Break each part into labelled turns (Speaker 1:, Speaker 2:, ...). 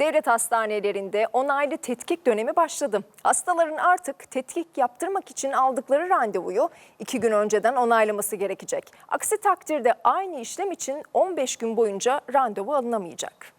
Speaker 1: Devlet hastanelerinde onaylı tetkik dönemi başladı. Hastaların artık tetkik yaptırmak için aldıkları randevuyu 2 gün önceden onaylaması gerekecek. Aksi takdirde aynı işlem için 15 gün boyunca randevu alınamayacak.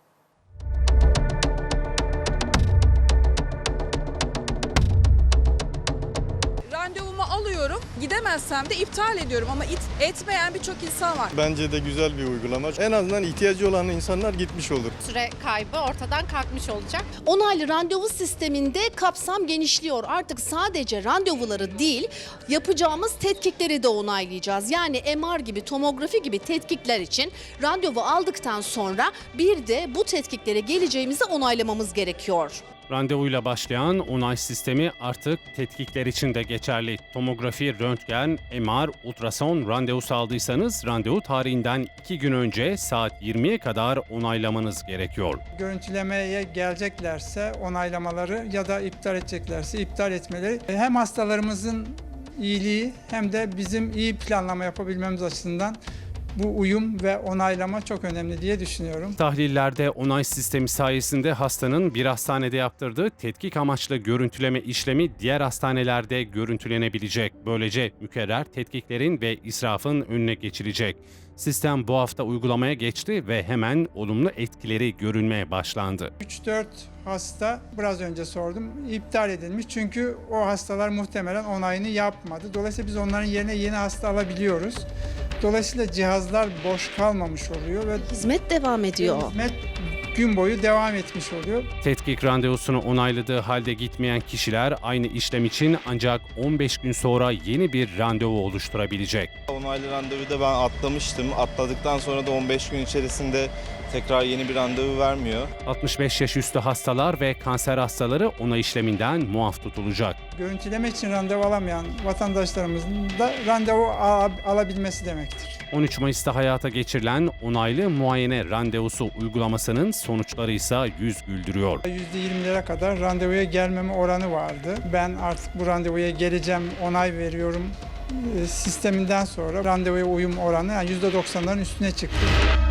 Speaker 2: Randevumu alıyorum, gidemezsem de iptal ediyorum ama etmeyen birçok insan var.
Speaker 3: Bence de güzel bir uygulama. En azından ihtiyacı olan insanlar gitmiş olur.
Speaker 4: Süre kaybı ortadan kalkmış olacak. Onaylı randevu sisteminde kapsam genişliyor. Artık sadece randevuları değil, yapacağımız tetkikleri de onaylayacağız. Yani MR gibi, tomografi gibi tetkikler için randevu aldıktan sonra bir de bu tetkiklere geleceğimizi onaylamamız gerekiyor.
Speaker 5: Randevuyla başlayan onay sistemi artık tetkikler için de geçerli. Tomografi, röntgen, MR, ultrason randevusu aldıysanız randevu tarihinden 2 gün önce saat 20'ye kadar onaylamanız gerekiyor.
Speaker 6: Görüntülemeye geleceklerse onaylamaları ya da iptal edeceklerse iptal etmeleri hem hastalarımızın iyiliği hem de bizim iyi planlama yapabilmemiz açısından bu uyum ve onaylama çok önemli diye düşünüyorum.
Speaker 5: Tahlillerde onay sistemi sayesinde hastanın bir hastanede yaptırdığı tetkik amaçlı görüntüleme işlemi diğer hastanelerde görüntülenebilecek. Böylece mükerrer tetkiklerin ve israfın önüne geçilecek. Sistem bu hafta uygulamaya geçti ve hemen olumlu etkileri görünmeye başlandı.
Speaker 6: 3-4 hasta biraz önce sordum iptal edilmiş çünkü o hastalar muhtemelen onayını yapmadı. Dolayısıyla biz onların yerine yeni hasta alabiliyoruz. Dolayısıyla cihazlar boş kalmamış oluyor ve
Speaker 4: Hizmet devam ediyor.
Speaker 6: hizmet gün boyu devam etmiş oluyor.
Speaker 5: Tetkik randevusunu onayladığı halde gitmeyen kişiler aynı işlem için ancak 15 gün sonra yeni bir randevu oluşturabilecek.
Speaker 3: Onaylı randevuyu da ben atlamıştım. Atladıktan sonra da 15 gün içerisinde tekrar yeni bir randevu vermiyor.
Speaker 5: 65 yaş üstü hastalar ve kanser hastaları onay işleminden muaf tutulacak.
Speaker 6: Görüntüleme için randevu alamayan vatandaşlarımızın da randevu alabilmesi demektir.
Speaker 5: 13 Mayıs'ta hayata geçirilen onaylı muayene randevusu uygulamasının sonuçları ise yüz güldürüyor.
Speaker 6: %20'lere kadar randevuya gelmeme oranı vardı. Ben artık bu randevuya geleceğim, onay veriyorum sisteminden sonra randevuya uyum oranı yani %90'ların üstüne çıktı.